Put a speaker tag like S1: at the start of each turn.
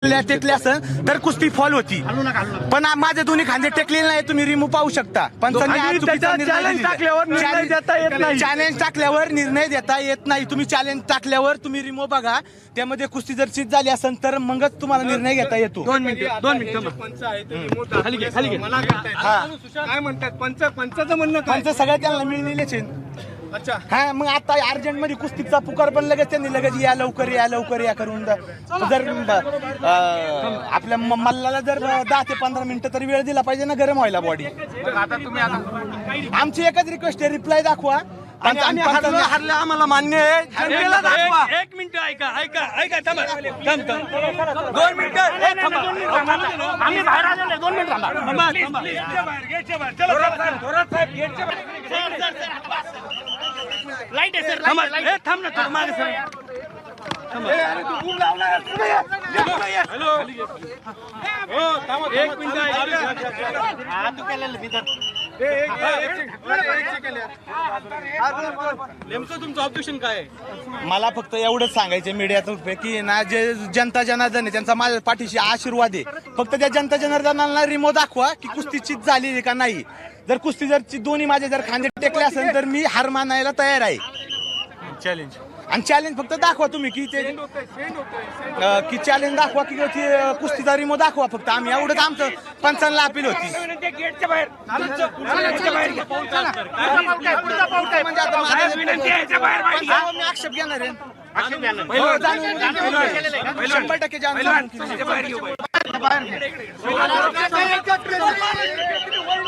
S1: टेकले असेल तर कुस्ती फॉल होती, पण माझे दोन्ही खांदे टेकलेले नाही, तुम्ही रिमूव्ह पाहू शकता. पण
S2: चॅलेंज टाकल्यावर निर्णय देता येत नाही.
S1: चॅलेंज टाकल्यावर निर्णय देता येत नाही. तुम्ही चॅलेंज टाकल्यावर तुम्ही रिमूव्ह बघा, त्यामध्ये कुस्ती जर चित झाली असेल तर मगच तुम्हाला निर्णय घेता येतो.
S2: 2 मिनिटं पंच आहे ते खाली घे. काय म्हणतात पंचाचं म्हणणं काय?
S1: पंच सगळ्या त्यांना मिळलेलेच आहे.
S2: अच्छा
S1: हा, मग आता अर्जंट मध्ये कुस्तीचा पुकार पण लगेच त्यांनी लगेच या लवकर या करून जर आपल्या मल्लाला जर 10 ते 15 मिनिटं तरी वेळ दिला पाहिजे ना गरम व्हायला बॉडी.
S2: आता तुम्ही
S1: आमची एकच रिक्वेस्ट आहे, रिप्लाय दाखवा.
S2: आणि आम्ही हरलं आम्हाला मान्य आहे. जनतेला दाखवा. 1 मिनिट ऐका थांबा 2 मिनिटं आम्ही बाहेर आलेलो 2 मिनिट लाईट आहे सर थांब ना थोडं मागे सर. एक मिनिट नेमकं तुमचं ऑब्जेक्शन काय आहे?
S1: मला फक्त एवढंच सांगायचं मीडियातर्फे की ना जे जनता जनार्दन आहे त्यांचा माझ्या पाठीशी आशीर्वाद आहे. फक्त त्या जनता जनार्दनाला रिमो दाखवा की कुस्ती चित झाली आहे का नाही. जर कुस्ती जर दोन्ही माझे जर खांदे टेकले असेल तर मी हार मानायला तयार आहे.
S2: चॅलेंज
S1: आणि चॅलेंज फक्त दाखवा तुम्ही की ते की चॅलेंज दाखवा की कुस्तीचा रिमो दाखवा. फक्त आम्ही एवढंच आमचं पंचांना अपील होती. म्हणजे आता मी आक्षेप घेणार आहे. 100% जाणून